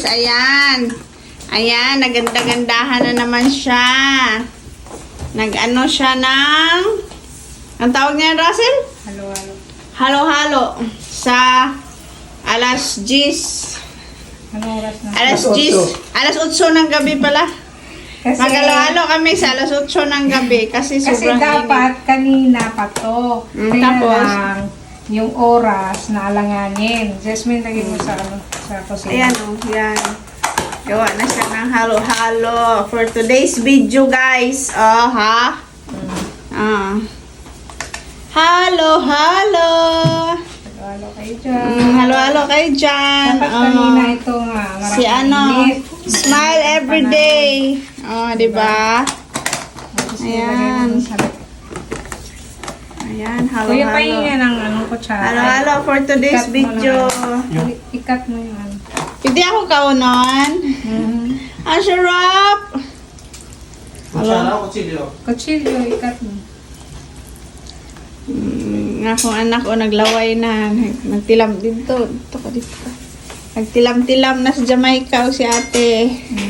guys. Ayan. Ayan, naganda-gandahan na naman siya. Nag-ano siya ng... Ang tawag niya, Russell? Halo-halo. Halo-halo. Sa alas 10. Anong oras na? Alas 10. Alas 8 ng gabi pala. Kasi, Magalo-halo kami sa alas 8 ng gabi kasi sobrang dapat kanina pa to. Kaya tapos? lang, yung oras na alanganin. Jasmine, lagay mo sa, sa kusina. Ayan o, yan. Gawa na siya ng halo-halo for today's video, guys. Oh, ha? Halo-halo. Halo-halo kayo dyan. Halo-halo kayo dyan. Dapat kanina ito nga. Si ano, smile every day. Oh, di ba? Ayan. Ayan, Kuya, halo-halo. pahinga ng anong kutsara. Halo-halo for today's Ikat mo video. lang. Ikat mo yung ano. Pwede ako kaunon. Ang sarap. Kutsara o kutsilyo? Kutsilyo, ikat mo. Nga akong anak o naglaway na. Nagtilam dito. Dito ka dito. Nagtilam-tilam na sa Jamaica o si ate.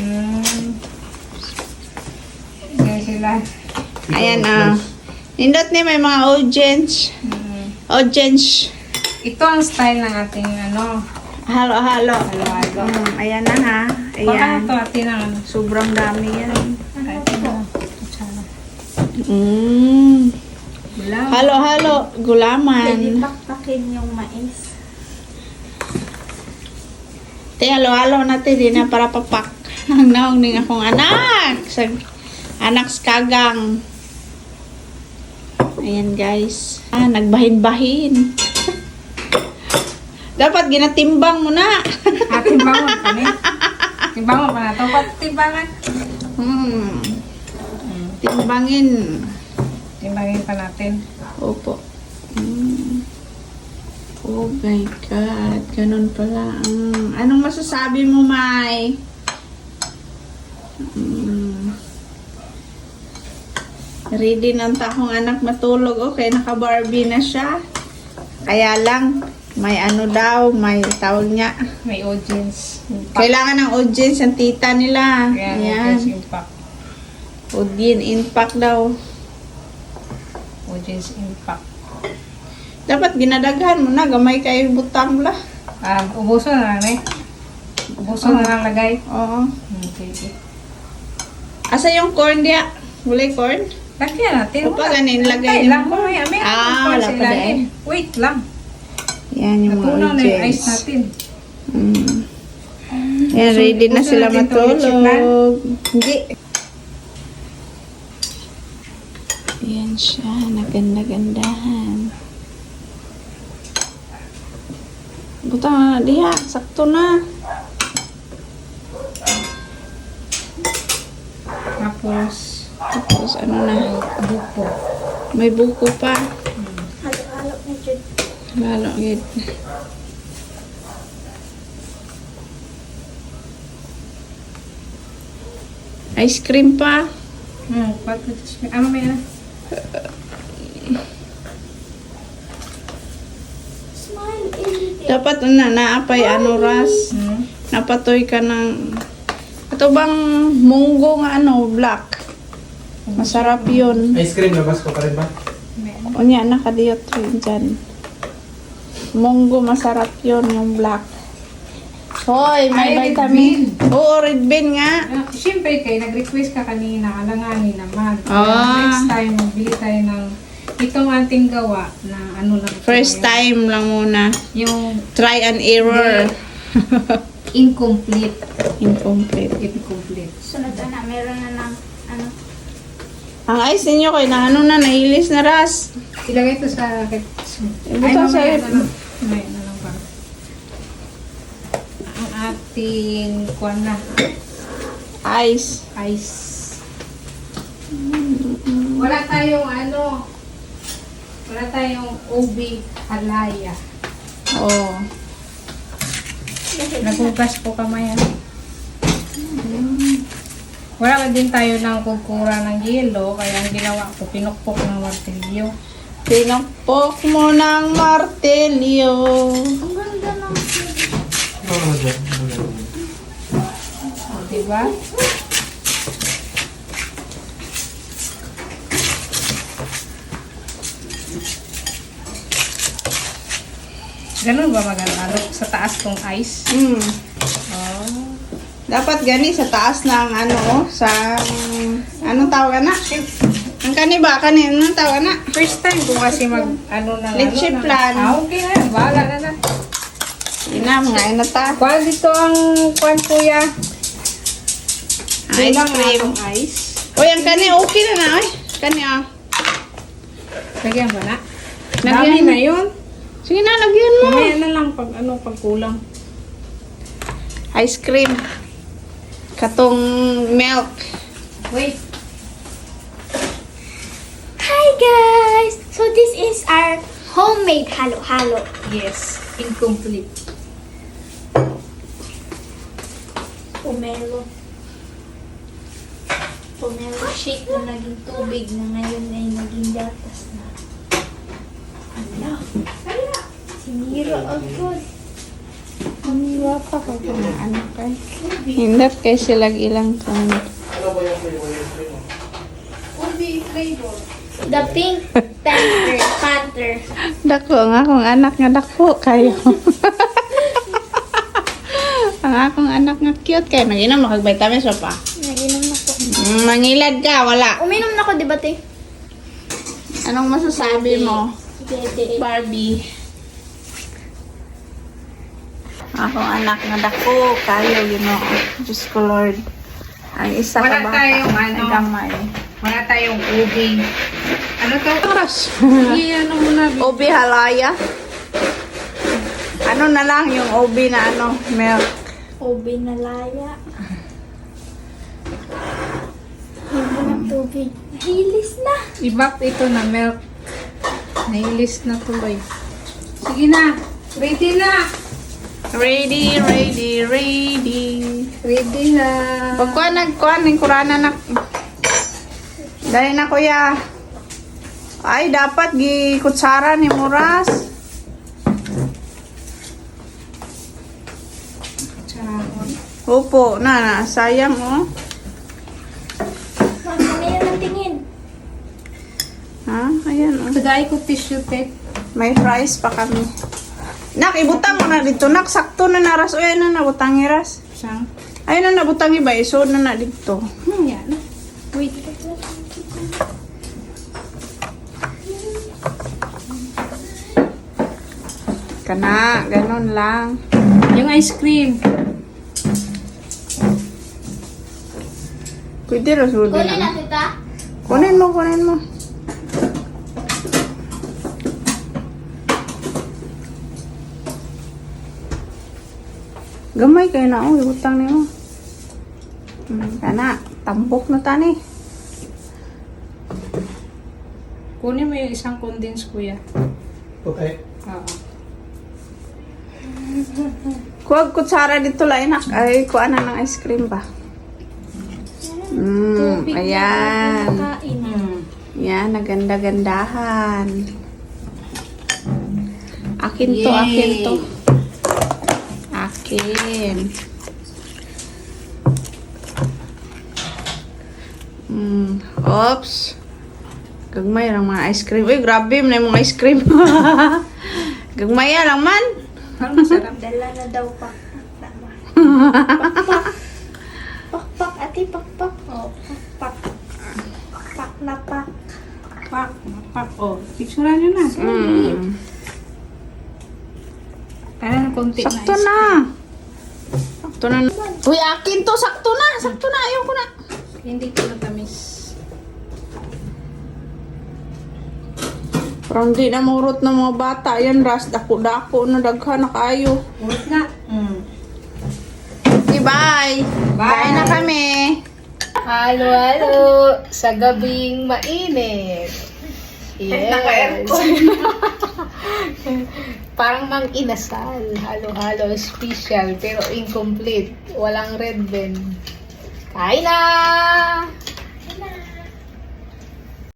Yan sila. Ayan nindot ni may mga audience. Audience. Ito ang style ng ating ano. Halo-halo. Halo-halo. Ayan na ha. Baka Ayan. ito atin ang ano. Sobrang dami yan. Atin ang kutsara. Gulaw. Halo-halo. Gulaman. Pakpakin yung mais. Te, halo-halo natin din na para papak. Ang naong ning akong anak. Sa anak sa kagang. Ayan guys. Nagbahin-bahin. Dapat ginatimbang mo na. Timbangon pa ni. Timbangon pa na. Tapat timbangan. Timbangin. Timbangin pa natin. Opo. Oh my God. Ganun pala. Anong masasabi mo, Mai? Ready ng takong anak matulog. Okay, naka-Barbie na siya. Kaya lang, may ano daw, may tawag niya. May audience. Kailangan ng audience ang tita nila. Ayan. Ayan. Audience impact. Audience impact daw. Audience impact. Dapat ginadaghan mo na. Gamay kayo butang la. Ubuso na lang eh. Ubuso na lang lagay. Oo. Okay. Asa yung corn diya? Wala corn? Lagyan natin. O pa ganin, lagay Antay lang. mo. Mamaya, may Wala pa dahil. Wait lang. Yan yung mga Natunaw na yung ice audience. natin. Yan, ready na Gusto sila natin itong lechon matulog. Hindi. Yan siya, naganda-gandahan. Butang na diha, sakto na. Tapos, ano na, buko. may buko pa. Halo-halo na dyan. Lalo, gid. Ice cream pa. Ano may na? Smile everyday. Dapat naapay ano ras. Napatoy ka ng ito bang munggo nga ano, black. Masarap yun. Ice cream, labas ko pa rin ba? Unya, nakadiyot rin dyan. Munggo, masarap yun, yung black. Hoy, may Ay, red vitamin. Oo, red bean nga. Siyempre kayo, nag-request ka kanina, alanganin naman. Ah. Next time, magbili tayo ng itong ating gawa na ano lang. ito, First time lang muna. Yung Try and error. incomplete. Incomplete. Incomplete. Sunod na, meron na ng ano. Ang ice ninyo kayo na ano na, nailis na ras. Ilagay ito sa... Buto sa mamaya na lang. Mamaya na lang pa. Ang ating kuwan na. Ice. Ice. Wala tayong ano. Wala tayong ubi halaya. Oh. Nagugas po kamay. Wala ka din tayo ng kukura ng yelo, kaya ang ginawa ko, pinukpok ng martilyo. Pinakpok mo ng martelyo. Ang ganda ng Diba? Ganun ba maganda? Sa taas tong ice? Hmm. Oh. Dapat gani sa taas ng ano, sa anong tawag na? Ang kani ba? Anong tawag na? First time ko kasi Leche plan. Okay na. Bahala na na. Ina, mga inata. Kuha dito ang kuhan kuya. Ice Kulang cream. ang ice. Uy, ang kani, okay na na. Uy, kani ah. Lagyan ba na? Lagyan. Dami na yun. Sige na, lagyan mo. Mamaya na lang pag pag kulang. Ice cream. Katong milk. Wait. Hi guys! So this is our homemade halo-halo. Yes. Incomplete. Pomelo. Pomelo shake na naging tubig na ngayon ay naging gatas na. Ala. Sinira agad. Wala pa ko kung ano kay. Hindot kay sila ilang kung The pink panther. dako ang akong anak nga dako kayo. Ang akong anak nga cute kayo. Nag-inom na kag vitamins pa. Naginom na ko. Mangilad ka, wala. Uminom na ko, di ba, te? Anong masasabi mo, Dede. Barbie? Akong anak nga dako kayo, Diyos ko Lord. Ang isa Wala ka bata. tayong ano. Ang gamay. Wala tayong ubi. Ano to? Oras. Ano muna? Obi halaya. Ano na lang yung obi na ano, milk. Obi na laya. Hindi ng tubig. Nahilis na. Ibak ito na milk. Nailis na tuloy. Sige na. Ready na. Ready, ready, ready. Ready na. Pagkuha nagkuha ng kurana na. Dahil na kuya. Ay, dapat gi kutsara ni Muras. Charot. Opo, na, sayang oh. Ano yun ang tingin? Ha? Ayan oh. Tagay ko tissue tape. May fries pa kami. Nak, ibutang mo na dito. Nak, sakto na naras. O, ayun na nabutang iras. Siyang. Ayun na nabutang iba. Isod na dito. Yan. Wait. Kana, ganun lang. Yung ice cream. Pwede rasul Kunin na. na, tita. Kunin mo, kunin mo. Gamay kayo na oh, ibutang niyo. Kana, tambok na tani. Kunin mo yung isang condense, kuya. Okay. Oo. Kuwag kutsara dito lang inak. Ay, kuha na ng ice cream ba? Tubig Ayan. na kain. Yan, naganda-gandahan. Akin to, Yay. akin to. Akin. Oops. Gagmay lang mga ice cream. Uy, grabe na yung mga ice cream. Gagmay lang man. Parang masarap. Dala na daw pakpak. Pakpak. Pakpak, ate, pakpak. Oh, pakpak. Pak na pak. Pak. Pak. Oh, picturean nyo na. Kaya ng konti Sakto na. na. Sakto na. Uy, akin to. Sakto na. Sakto na. Ayaw ko na. Hindi ko natamis. Parang di na murot ng mga bata. Yan, ras. Dako-dako na daghan na kayo. Urot na. Okay, bye. Bye. Bye na kami. Halo-halo sa gabing mainit. Yes. Parang mang inasal. Halo-halo special pero incomplete. Walang red bell. Kain na!